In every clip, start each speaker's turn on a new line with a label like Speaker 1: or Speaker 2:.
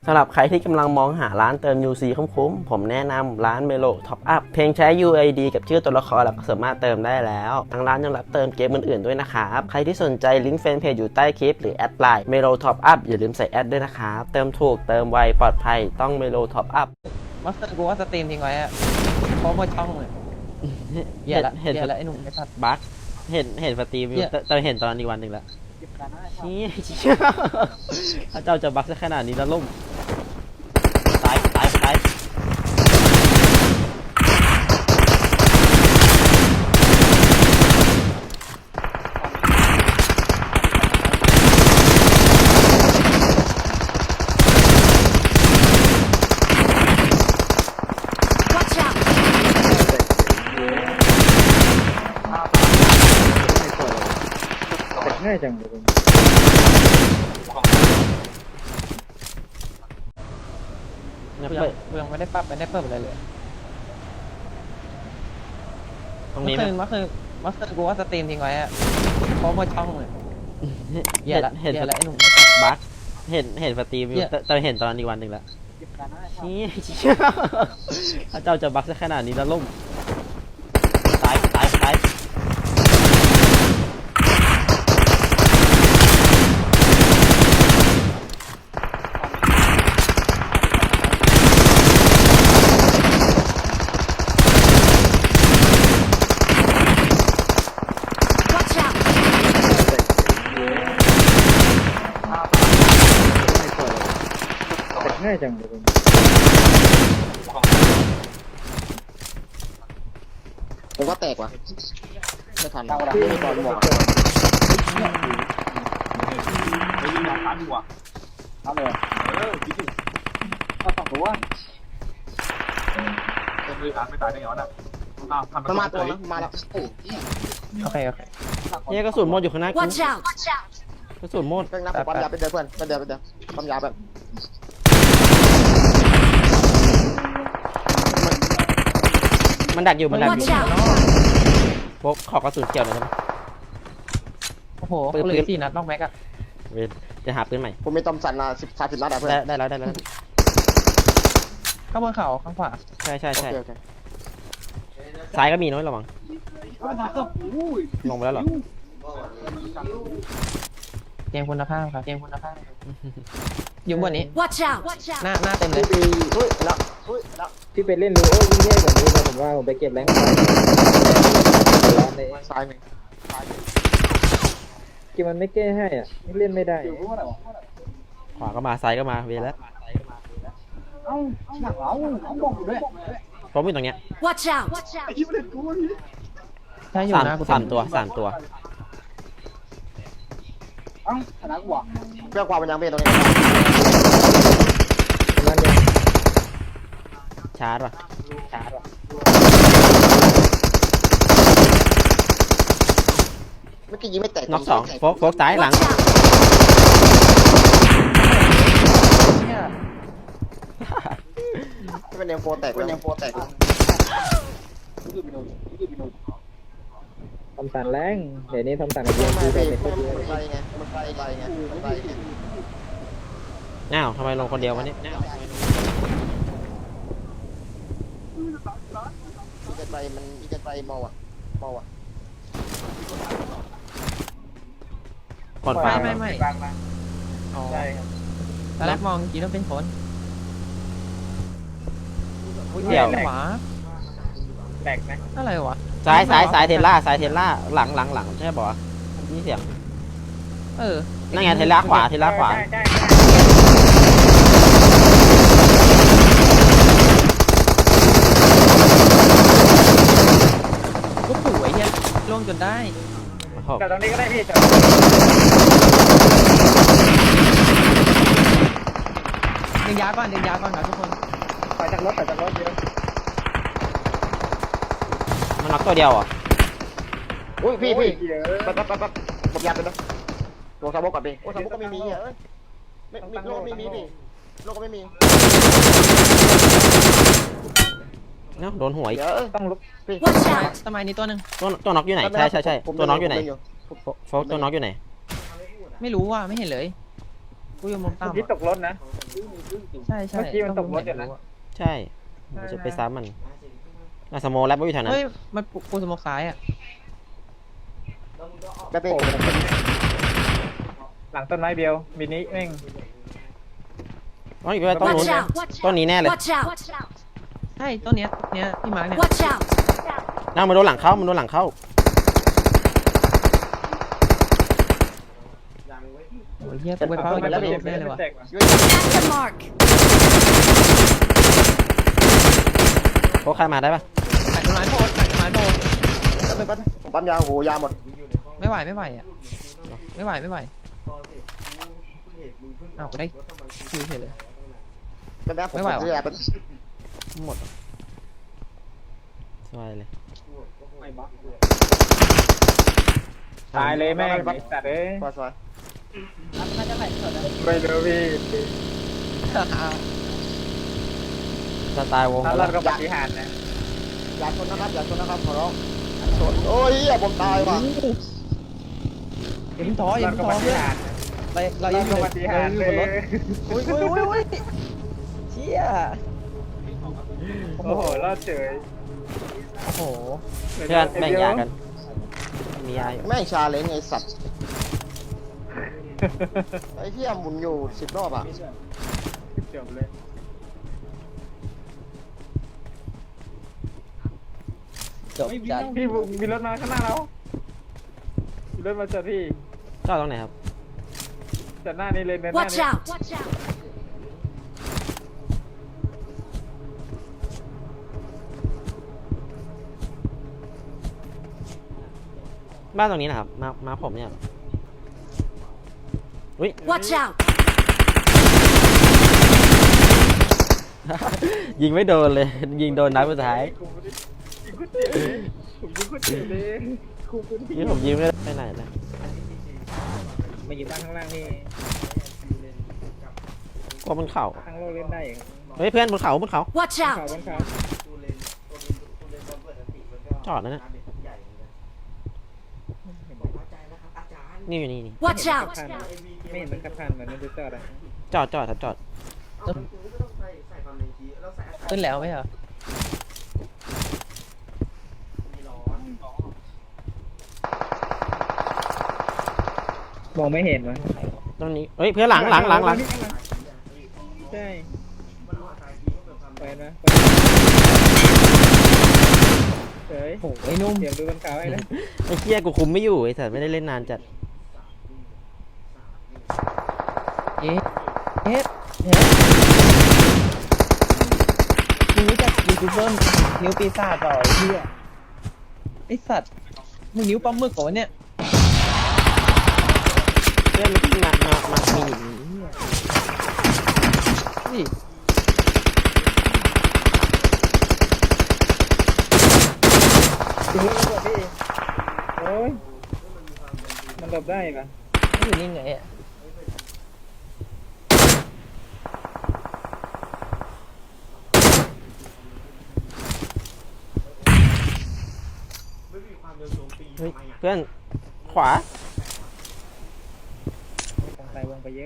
Speaker 1: สำหรับใครที่กำลังมองหาร้านเติม UC คุ้มๆผมแนะนำร้าน Melo Top Up เพียงใช้ UID กับชื่อตัวละครแล้วก็สามารถเติมได้แล้วทางร้านยังรับเติมเกมอื่นๆด้วยนะครับใครที่สนใจลิงก์แฟนเพจอยู่ใต้คลิปหรือแอดไลน์ Melo Top Up อย่าลืมใส่แอดด้วยนะครับเติมถูกเติมไวปลอดภัยต้อง Melo Top Up
Speaker 2: มาสเตอร์กูว่าสตรีมทิ้งไว้อะเพราะว่าช่องเลยเหี้ยละไอ้หนุ่มไอ้สัตว์
Speaker 1: บั๊กเห็นสตรีมอยู่แต่เห็นตอนอีกวันหนึ่งแล้วถ้าเจ้าจะบั๊กซะขนาดนี้แล้วล่มตาย
Speaker 3: ง่ายจังเลย
Speaker 2: เรื่องไม่ได้ปรับไม่ได้เพิ่มอะไรเลย
Speaker 1: ตรงนี้ไหม
Speaker 2: มาสเตอร์กูว่าสตรีมทิ้งไว้อะเพราะว่าช่องเลยเหี้ยละไอ้หนุ่มไอ้สัตว์
Speaker 1: บั๊กเห็นสตรีมอยู่แต่เห็นตอนอีกวันหนึ่งแล้วถ้าเจ้าจะบั๊กซะขนาดนี้แล้วล่มตาย
Speaker 3: ง่ายจังเลย
Speaker 4: ผมว่าแตกว่ะไม่ทันแล้วตอนหมด
Speaker 5: ไปยิงยาตันว่ะ
Speaker 3: เอาเลย
Speaker 5: ก็ต้องรู้ว่าจะมีการไม่ตายได้ไงวะน่ะทำ
Speaker 4: มันมาตัวนะมาแล้วโอ้
Speaker 2: โอเค
Speaker 1: เนี่ยกระสุนหมดอยู่ข้างหน้ากู
Speaker 6: Watch out!
Speaker 1: กระสุนหมด
Speaker 4: เพิ่งนับปั๊มยาไปเดินเพื่อนไปเดินปั๊มยาแบบ
Speaker 1: มันดักอยู่
Speaker 6: Watch out!
Speaker 1: พกขอกระสุนเกี่ยวหน่อยได้ไหม
Speaker 2: โอ้โหเหลือ4 นัดนอกแม็กอะ
Speaker 1: เว้ยจะหาปืนใหม่
Speaker 4: ผมมีตอมสันมา30 นัดอะเพื่อน
Speaker 1: ได้แล้ว
Speaker 2: ข้างบนเขาข้างขวา
Speaker 1: ใช่
Speaker 4: โอเค
Speaker 1: ซ้ายก็มีน้อยระวังลงไปแล้วเหรอ
Speaker 2: เกมคุณภาพครับอยู่บนนี้
Speaker 6: Watch out!
Speaker 2: หน้าเต็มเลย
Speaker 4: อุ้ยแล้ว
Speaker 3: ที่ไปเล่นรู้โอ้ยิ่งแย่กว่านี้เลยผมว่าผมไปเก็บแรงค์ร้านเลย
Speaker 4: ซ้ายหนึ่ง
Speaker 3: เกมมันไม่แก้ให้อ่ะเล่นไม่ได้
Speaker 1: ขวาก็มาซ้ายก็มาเวรแล้ว
Speaker 5: หนักเราเขาบอกอยู่ด้วย
Speaker 1: ผมอยู่ตรงเนี้ย
Speaker 6: Watch out!
Speaker 5: ไอ้ที่ไม่ได้กูนี่
Speaker 2: ใช่อยู่หน้ากู
Speaker 1: สามตัว
Speaker 5: เอ้าชนะกูอ่ะ
Speaker 4: เพื่อความเป็นยังเป็นตรงนี้
Speaker 3: นั่นเนี่ย
Speaker 1: ชาร์จว่ะ
Speaker 4: เมื่อกี้ยิงไม่แตก
Speaker 1: น็อก2โฟกซ้ายหลัง
Speaker 6: Watch out!
Speaker 4: ที่เป็นเอ็มโฟแตก
Speaker 3: ทำสันแรงเดี๋ยวนี้ทำสันกับเบียร์
Speaker 4: ไม่
Speaker 3: คือ
Speaker 4: ไป
Speaker 3: ได้เป็น
Speaker 4: มันไปไงมันไป
Speaker 1: อ้าวทำไมลงคนเดียววะเนี่ย
Speaker 4: จะไปมอว่ะ
Speaker 1: คนฟ้า
Speaker 2: ไม่อ๋อตอนแรกมองจริงแล้วเป็นคน
Speaker 1: เดี๋ยว
Speaker 2: ขวา
Speaker 3: แตกไหม
Speaker 2: อะไรวะ
Speaker 1: ซ้ายเทล่าหลังใช่ป่ะนี่เสียง นั่นไงเทล่าขวา
Speaker 2: ก็สวยเนี่ยล่วงจนได้
Speaker 3: แต่ตรงนี้ก็ได้พี่
Speaker 2: ดึงยาก่อนครับทุกคน
Speaker 3: ไปจากรถเยอะ
Speaker 1: มันน็อกตัวเดียวอ่ะ
Speaker 4: อุ้ยพี่ปั๊บผมยัดเลยนะโลซาโบก่อนพี่โลซาโบก็ไม่มีอ่ะไม่โลไม่มีพี่โลก็ไม่มี
Speaker 1: เนาะโดนหัวอีก
Speaker 4: เดี๋ยว
Speaker 3: ต้องลุก
Speaker 4: พี่
Speaker 6: Watch out!
Speaker 2: สมัยนี้ตัวหนึ่ง
Speaker 1: ตัวน็อกอยู่ไหนใช่ตัวน็อกอยู่ไหนโฟกตัวน็อกอยู่ไหน
Speaker 2: ไม่รู้ว่าไม่เห็นเลยกูอยู่มุม
Speaker 3: เมื่
Speaker 2: ต่ำ
Speaker 3: อกี้ตกรถนะ
Speaker 2: ใช่ใช่
Speaker 3: เมื่อกี้มันตกรถอยู่นะ
Speaker 1: ใช่ผมจะไปซ้ำมันสโมแล้วไม่อยู่แถวนั้น
Speaker 2: เฮ้ยมันกูสโมกซ้ายอ่ะ
Speaker 4: แบบนี้
Speaker 3: หลังต้นไม้เดียวมินิแม่ง
Speaker 1: อ๋ออีกไปต้นนู้น
Speaker 6: Watch out!
Speaker 1: ต้นนี้แน่เลย
Speaker 6: Watch out!
Speaker 2: ใช่ต้นเนี้ยที่มาร์กเนี่ย
Speaker 6: Watch out!
Speaker 1: นั่งมาโดนหลังเข้ามันโดนหลังเข้า
Speaker 2: โอ้ยเฮียกูไปเฝ้าอยู่แล้วแน่เลยว่ะ
Speaker 6: At the mark!
Speaker 1: โค้ชใครมาได้ปะ
Speaker 2: ตัดต้นไม้โพดตัดต้นไม้โพด
Speaker 4: ผมปั๊มยาโหยาหมด
Speaker 2: ไม่ไหวอ่ะไม่ไหวอ้าวกูได้คิวเฉยเลย
Speaker 4: เป็นแบบผม
Speaker 2: ไม่ไหววะ
Speaker 4: เสียเป็น
Speaker 1: หมดสบายเลย
Speaker 3: ตายเลยแม่งไอ้สัตว์เอ้ย
Speaker 4: สวย
Speaker 3: ไม่รู้พี่
Speaker 1: สไตล์วง
Speaker 3: ถ้ารอดก็ปฏิหารนะ
Speaker 4: อย่าชนนะครับอย่าชนนะครับขอร้องชนโอ้ยผมตายว่ะ
Speaker 2: อย่าเพิ่งท้ออย่าร
Speaker 3: อด
Speaker 2: เพิ่ง
Speaker 3: ก็
Speaker 2: ท้
Speaker 3: ป
Speaker 2: อ
Speaker 3: ฏิ
Speaker 2: เพื่อน
Speaker 3: หาร
Speaker 2: เรา
Speaker 3: ร
Speaker 2: ยั
Speaker 3: อง ด
Speaker 2: อยู่
Speaker 3: ก็ปฏิหาร
Speaker 2: อ
Speaker 3: เล
Speaker 2: ยู่บนรถ
Speaker 3: ย
Speaker 2: โอ้ยเชี่ย
Speaker 3: โอ้โหรอดเฉย
Speaker 2: โอ้โห
Speaker 1: เพื่อนแบ่งยากันมียาอยู่
Speaker 4: แม่งชาเลนจ์ไอ้สัตว์ไอ้เหี้ยหมุนอยู่10 รอบอ่ะ
Speaker 3: จบเลย
Speaker 2: จบจัด
Speaker 3: พี่มีรถมาข้างหน้าเรามีรถมาจอดพี่
Speaker 1: จอดตรงไหนครับ
Speaker 3: จอดหน้านี้เลยเดินหน้า
Speaker 6: Watch
Speaker 3: นี้
Speaker 6: out!
Speaker 1: บ้านตรงนี้นะครับมาผมเนี่ยอุ้ย
Speaker 6: Watch out!
Speaker 1: ยิงไม่โดนเลย ยิงโดนนัดสุดท้าย
Speaker 3: ยิงกูเจ็บเลยผมยิงกูเจ็บเลยคุมพื้นที่
Speaker 1: นี่ผมยิงไม่ได้ไปไหนเลย
Speaker 3: มาอยู่บ้านข้างล่างนี่
Speaker 1: กลัวบนเขา
Speaker 3: ข้างโลกเล่นได้ครับ
Speaker 1: เฮ้ยเพื่อนบนเขา
Speaker 6: Watch
Speaker 3: เขา
Speaker 6: out!
Speaker 3: บนเขา
Speaker 1: จอดแล้วนะนี่อยู่นี่
Speaker 6: Watch out!
Speaker 3: ผ่านไม่เห็นมันขับผ่านเหมือนมันจะจอดอ่ะ
Speaker 1: จอดครับจอด
Speaker 2: ขึ้นแล้วไหมเหรอ
Speaker 3: มองไม่เห็นวะ
Speaker 1: ตรงนี้เฮ้ยเพื่อนหลัง
Speaker 3: ใช่ไปนะเฮ้ย
Speaker 2: โอ้ไอ้นุ่ม
Speaker 3: เดี๋ยวดูบนเขาไอ้นะ
Speaker 1: ไอ้เหี้ยกูคุมไม่อยู่ไอ้สัตว์ไม่ได้เล่นนานจัด
Speaker 2: เอ๊ะมึงรู้จักยูทูบเบอร์นิ้วปีศาจต่อไอ้เหี้ยไอ้สัตว์มึงนิ้วปลาหมึกเหรอวะเนี่ย
Speaker 1: เพื่อนมันขึ้นมามี
Speaker 2: นี่
Speaker 3: ดูนี่ก่อนพี่โอ้ยมันหลบได้ปะ
Speaker 2: ไม่อยู่นี่ไงอ่ะ
Speaker 1: เฮ้ยเพื่อนขวา
Speaker 3: วงไปวงไปเยอะ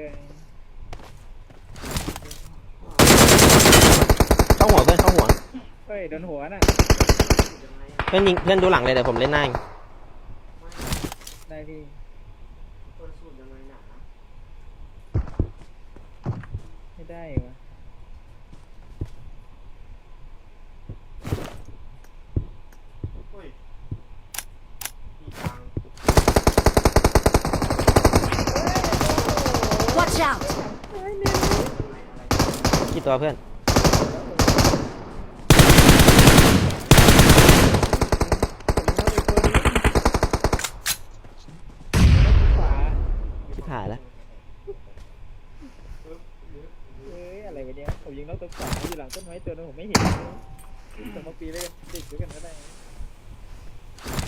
Speaker 1: เข้าหัวเพื่อนเข้าหัว
Speaker 3: เฮ้ยโดนหัวน่ะ
Speaker 1: เพื่อนยิงเพื่อนดูหลังเลยเดี๋ยวผมเล่นหน้าเอง
Speaker 3: ได้พี่ไม่ได้วะ
Speaker 6: Watch out!
Speaker 1: กี่ตัวเพื่อน
Speaker 3: ขวา
Speaker 1: ชิบหายแล้ว
Speaker 3: เอ้ยอะไรวะเนี่ยผมยิงนอกตัวขวาอยู่หลังต้นไม้ตัวนึงผมไม่เห็นสมมติปีเลยติดด้วยกันก็ได้โอ้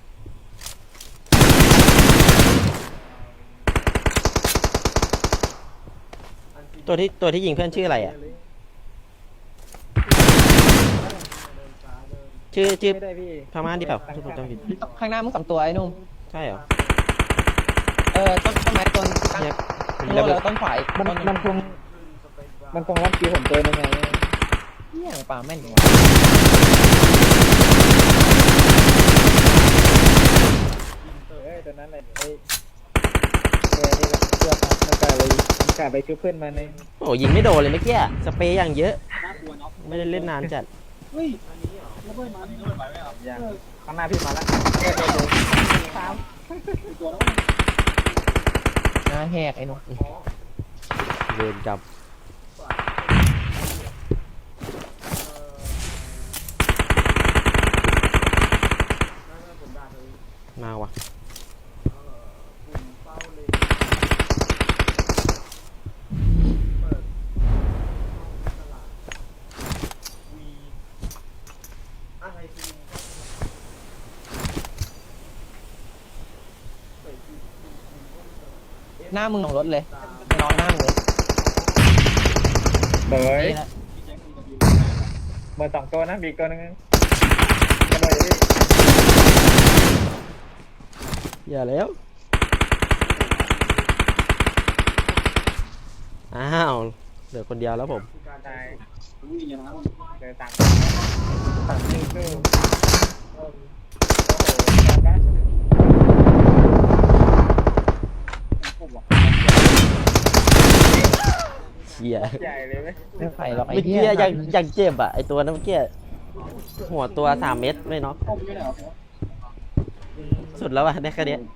Speaker 1: ตัวที่ยิงเพื่อนชื่ออะไรอ่ะ ชื่อ
Speaker 3: ไม่ได้พี่
Speaker 1: พม่าดิเปล่าถ้าผมจำผิด
Speaker 2: ข้างหน้ามึง2 ตัวไอ้นุ่ม
Speaker 1: ใช่เหรอ
Speaker 2: ต้นไม้ต้นข้าง
Speaker 1: เนี่ย
Speaker 2: โน่แล้วต้นฝ่าย
Speaker 3: มันคงรับคิวผมตัวนึงไง
Speaker 2: เหี้ยปลาแม่นจริงวะ
Speaker 3: ตัวนั้นเลยนี่ก็เพื่อมันกลายเลยมันกลายไปชุบเพื่อนมาใน
Speaker 1: โอ้ยิงไม่โดนเลยเมื่อกี้สเปรย์อย่างเยอะ ไม่ได้เล่นนานจัด
Speaker 3: อย่างข้างหน้าพี่มาแล้ว
Speaker 2: หน้าแหกไอ้หนุ่ม
Speaker 1: เวรกรรมมาวะ
Speaker 2: หน้ามึงลงรถเลยนอนหน้ามึงเลย
Speaker 3: เบย
Speaker 2: นี่แหละ
Speaker 3: เบอร์2ตัวนะมีตัวนึงกระโดดอยู่พี่
Speaker 1: อย่าแล้วอ้าวเหลือคนเดียวแล้วผม
Speaker 3: ตายเจอต่างสู้โอ้โห
Speaker 1: เชี่ย
Speaker 3: ใหญ่เลยไหม
Speaker 2: ไม่ไฟหรอกไอ้
Speaker 1: เมื่อ
Speaker 2: เหี้
Speaker 1: กี้
Speaker 2: ย
Speaker 1: ยังเจ็บอ่ะไอตัวนั้นเมื่อกี้หัวตัว3 เม็ดไม่น็อกสุดแล้วอ่ะได้แค่เนี้ย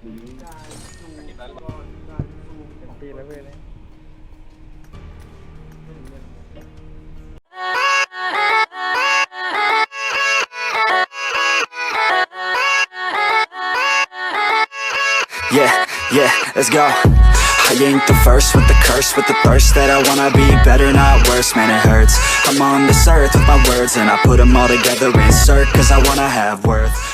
Speaker 3: ตีแล้วเว้ยเลย
Speaker 6: Yeah, yeah, let's go. I ain't the first with the curse, with the thirst that I wanna be better, not worse, man it hurts. I'm on this earth with my words and I put them all together, insert, cause I wanna have worth.